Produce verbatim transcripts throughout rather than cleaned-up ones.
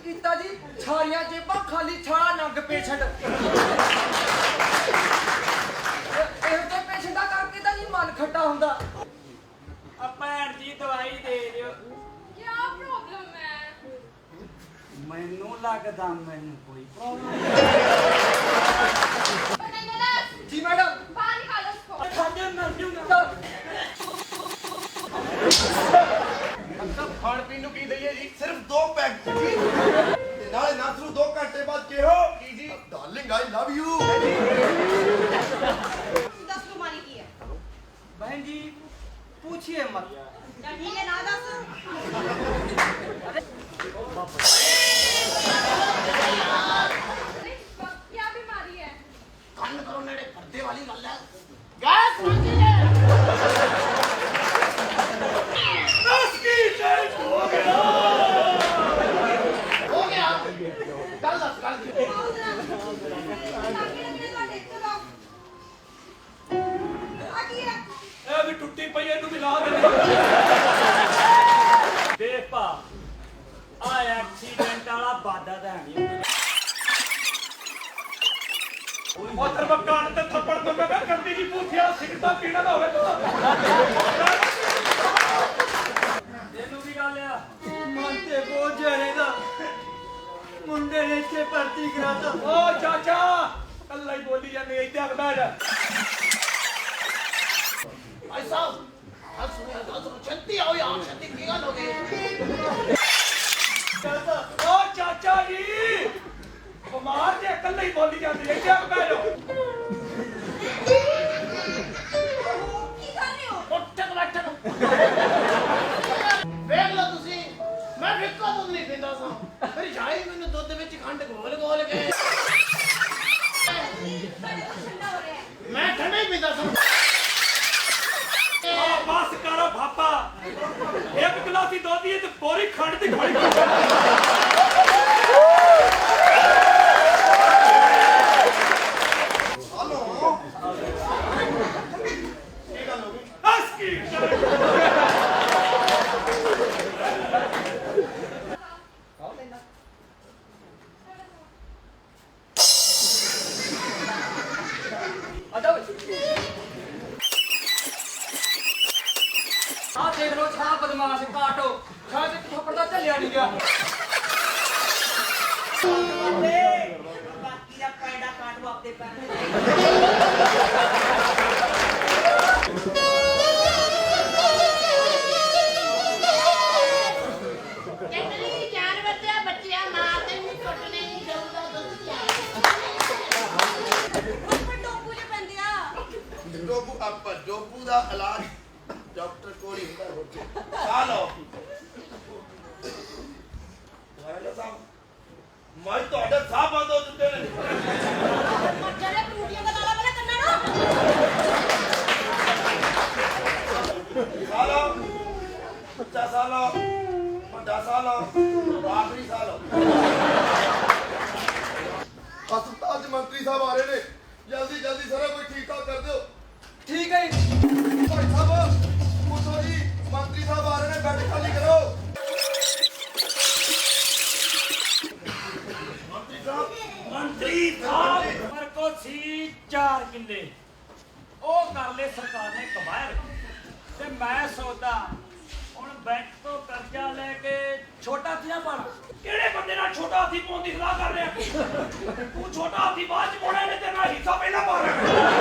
ਕੀਤਾ ਜੀ ਸਾਰੀਆਂ ਜੇਬਾਂ ਖਾਲੀ ਛਾਲਾ ਨੰਗ ਪੇਸ਼ੈਂਟ ਇਹੋ ਜਿਹੇ ਪੇਸ਼ੈਂਟਾਂ ਕਰਕੇ ਤਾਂ ਜੀ ਮਨ ਖੱਟਾ ਹੁੰਦਾ। ਆ ਭੈਣ ਜੀ ਦਵਾਈ ਦੇ ਦਿਓ। ਕੀ ਪ੍ਰੋਬਲਮ ਹੈ? ਮੈਨੂੰ ਲੱਗਦਾ ਮੈਨੂੰ ਕੋਈ ਪ੍ਰੋਬਲਮ नहीं बोला जी मैडम बाहर निकालो उसको। ਖਾਂਦੇ ਮਰ ਜੂਗਾ। ਖਾਣ ਪੀਣ ਨੂੰ ਕੀ ਦਈਏ ਜੀ? ਸਿਰਫ ਦੋ ਪੈਕ ਜੀ ਤੇ ਨਾਲੇ ਨਾਥਰੂ ਦੋ ਘੰਟੇ ਬਾਅਦ ਕਿਹੋ ਕੀ ਜੀ? Darling I love you. दस तुम्हारी की है बहन जी पूछिए मत। चल ठीक है ना दस अरे क्या बीमारी है? ਕੰਨ ਕਰੋ ਨੇੜੇ ਪਰਦੇ ਵਾਲੀ ਗੱਲ ਹੈ। ਗੈਸ ਮਿਲਦੀ ਹੈ। ਬਸ ਕੀ ਟੈਸਟ ਹੋ ਗਿਆ ਹੋ ਗਿਆ ਕੱਲ ਦੱਸ ਕੱਲ ताकि लगने का देखते रहो आगे है ਇਹ ਵੀ ਟੁੱਟੀ ਪਈ ਇਹਨੂੰ ਵੀ ਲਾ ਦੇ। ਦੇਖ ਭਾ ਆ ਐਕਸੀਡੈਂਟ ਵਾਲਾ ਬਾਦਾ ਤਾਂ ਨਹੀਂ। ਉਹ ਤੇਰੇ ਮਕਾਨ ਤੇ ਥੱਪੜ ਤੋਂ ਮੈਂ ਕੰਦੀ ਦੀ ਪੂਥਿਆ ਸਿਗਰਟਾਂ ਪੀਣਾ ਨਾ ਹੋਵੇ ਤੂੰ। ਇਹਨੂੰ ਵੀ ਗੱਲ ਆ ਮਨ ਤੇ ਬੋਝ ਜਾਏਗਾ ਮੁੰਡੇ ਨੇ ਇੱਥੇ ਭਰਤੀ ਕਰਾਤਾ। ਓ ਚਾਚਾ ਕੱਲਾ ਹੀ ਬੋਲੀ ਜਾਂਦੇ ਇੱਥੇ ਆ ਬੈਠ। ਭਾਈ ਸਾਹਿਬ ਗੱਲ ਸੁਣਿਆ ਗੱਲ ਸੁਣੋ ਛੱਤੀ ਆਓ ਯਾਰ ਛੱਤੀ ਕੀ ਗੱਲ ਹੋ ਗਈ? ਓ ਚਾਚਾ ਜੀ ਬਿਮਾਰ ਜੇ ਕੱਲਾ ਹੀ ਬੋਲੀ ਜਾਂਦੇ ਇੱਥੇ ਆ ਬੈਠ। की कर रहे हो ਉੱਠ ਕੇ ਬੈਠ ਵੇਖ ਲਓ ਤੁਸੀਂ ਮੈਂ ਫਿੱਕਾ ਦੁੱਧ ਨਹੀਂ ਪੀਂਦਾ ਸਾਂ ਮੇਰੀ ਝਾਈ ਮੈਨੂੰ ਦੁੱਧ ਵਿੱਚ ਖੰਡ ਘੋਲ ਘੋਲ ਕੇ ठंडा हो रहा है ਮੈਂ ਠੰਡਾ ਹੀ ਪੀਂਦਾ ਸਾਂ। ਆ ਬਸ ਕਰੋ ਭਾਪਾ ਇੱਕ ਗਲਾਸੀ ਦੁੱਧ ਦੀ ਤੇ ਪੂਰੀ ਖੰਡ ਦੀ ਖੜੀ ਕਰ। ਹਲੋ ਕੀ ਗੱਲ ਹੋ ਗਈ? ਹੱਸ ਕੀ आ देख लो छा बदमाश काटो छा से थप्पड़ दा चलिया नहीं गया। बाकी का पैडा काटो अपने पैर ਕਹਿੰਦੇ ਚਾਰ ਬੱਚਿਆ ਬੱਚਿਆ ਮਾਂ ਤੇ ਨਹੀਂ ਕੁੱਟਣੇ ਨਹੀਂ ਦਊਗਾ ਦੁੱਧ ਚਾਹ। पर टोपू ने बन दिया ਡੋਬੂ ਆਪਾਂ ਡੋਬੂ ਦਾ ਇਲਾਜ ਡਾਕਟਰ ਕੋਲ ਹੀ ਹੁੰਦਾ ਹੋਰ ਆ ਲਓ ਵਾਇਲਾ ਸਾਹਿਬ ਮੈਂ ਤੁਹਾਡੇ ਸਾਹ ਬੰਦ ਹੋ ਚੁੱਕੇ ਨੇ। चले टूटियों का ताला वाला करना ना ਖਾ ਲਓ ਬੱਚਾ ਸਾਹ ਲਓ ਵੱਡਾ ਸਾਹ ਲਓ ਆਖਰੀ ਸਾਹ ਲਓ। ਹਸਪਤਾਲ ਚ ਮੰਤਰੀ ਸਾਹਿਬ ਆ ਰਹੇ ਨੇ ਜਲਦੀ ਜਲਦੀ ਸਾਰਾ ਕੁਝ ਠੀਕ ਠਾਕ ਕਰ ਦਿਓ। ठीक है जी। ਭਾਈ ਸਾਹਿਬ ਪੁੱਛੋ ਜੀ ਮੰਤਰੀ ਸਾਹਿਬ ਆ ਰਹੇ ਨੇ ਬੈੱਡ ਖਾਲੀ ਕਰੋ। ਮੰਤਰੀ ਸਾਹਿਬ ਮੰਤਰੀ ਸਾਹਿਬ ਪਰ ਕੋ ਸੀ ਚਾਰ ਕਿੱਲੇ ਉਹ ਕਰ ਲੈ ਸਰਕਾਰ ਨੇ ਕਮਾਇਆ ਤੇ ਮੈਂ ਸੋਚਦਾ ਹੁਣ ਬੈਂਕ ਤੋਂ ਕਰਜ਼ਾ ਲੈ ਕੇ ਛੋਟਾ ਹਾਥੀਆਂ ਪਾਣਾ। ਕਿਹੜੇ ਬੰਦੇ ਨਾਲ ਛੋਟਾ ਹਾਥੀ ਪਾਉਣ ਦੀ ਸਲਾਹ ਕਰ ਰਿਹਾ ਤੂੰ? ਛੋਟਾ ਹਾਥੀ ਬਾਅਦ ਚ ਪਾਉਣਾ ਇਹਨੇ ਤੇਰਾ ਹਿੱਸਾ ਪਹਿਲਾਂ ਪਾ ਰਿਹਾ।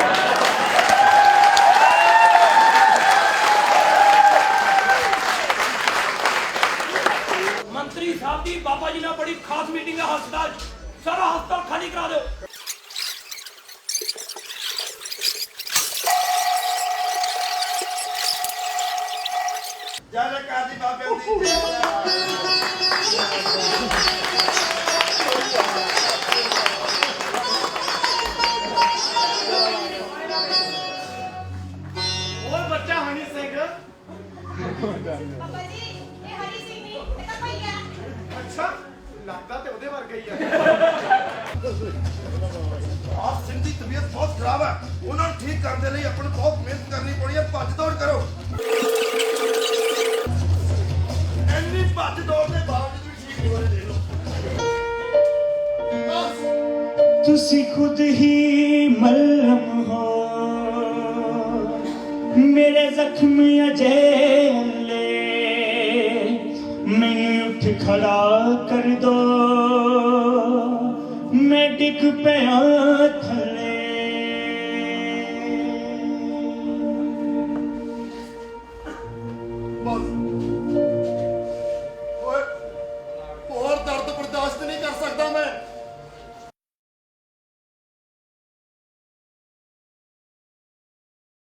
ਮੰਤਰੀ ਸਾਹਿਬ ਦੀ ਬਾਬਾ ਜੀ ਨਾਲ ਬੜੀ ਖਾਸ ਮੀਟਿੰਗ ਹੈ ਹਸਪਤਾਲ 'ਚ। ਸਾਰਾ ਹਸਪਤਾਲ ਖਾਲੀ ਕਰਾ ਦਿਓ। ਜੈ ਜੈਕਾਰ ਦੀ ਬਾਬੇ ਦੀ ਜੈ ਓਏ ਬੱਚਾ ਹਨੀ ਸਿੰਘ पापा जी ये हरी सिंह नहीं ये तो कोई है ਅੱਛਾ ਲੱਗਦਾ ਤੇ ਉਹਦੇ ਵਰਗਾ ਹੀ ਆ। ਆਪ ਸਿੰਘ ਦੀ ਤਬੀਅਤ ਬਹੁਤ ਖਰਾਬ ਹੈ ਉਹਨਾਂ ਨੂੰ ਠੀਕ ਕਰਨ ਦੇ ਲਈ ਆਪਾਂ ਨੂੰ ਬਹੁਤ ਮਿਹਨਤ ਕਰਨੀ ਪੜੀ ਹੈ। ਭੱਜ ਦੌੜ ਕਰੋ। ਇੰਨੀ ਭੱਜ ਦੌੜ ਦੇ ਬਾਵਜੂਦ ਵੀ ਠੀਕ ਨਹੀਂ ਹੋ ਰਹੇ ਦੇਖ ਲਓ। ਤੁਸੀਂ ਖੁਦ ਹੀ ਮਲਮ ਹੋ ਮੇਰੇ ਜ਼ਖਮ ਅਜੇਲੇ ਮੈਨੂੰ ਉੱਠ ਖੜਾ ਕਰ ਦੋ ਮੈਂ ਡਿੱਗ ਪਿਆ ਥੱਲੇ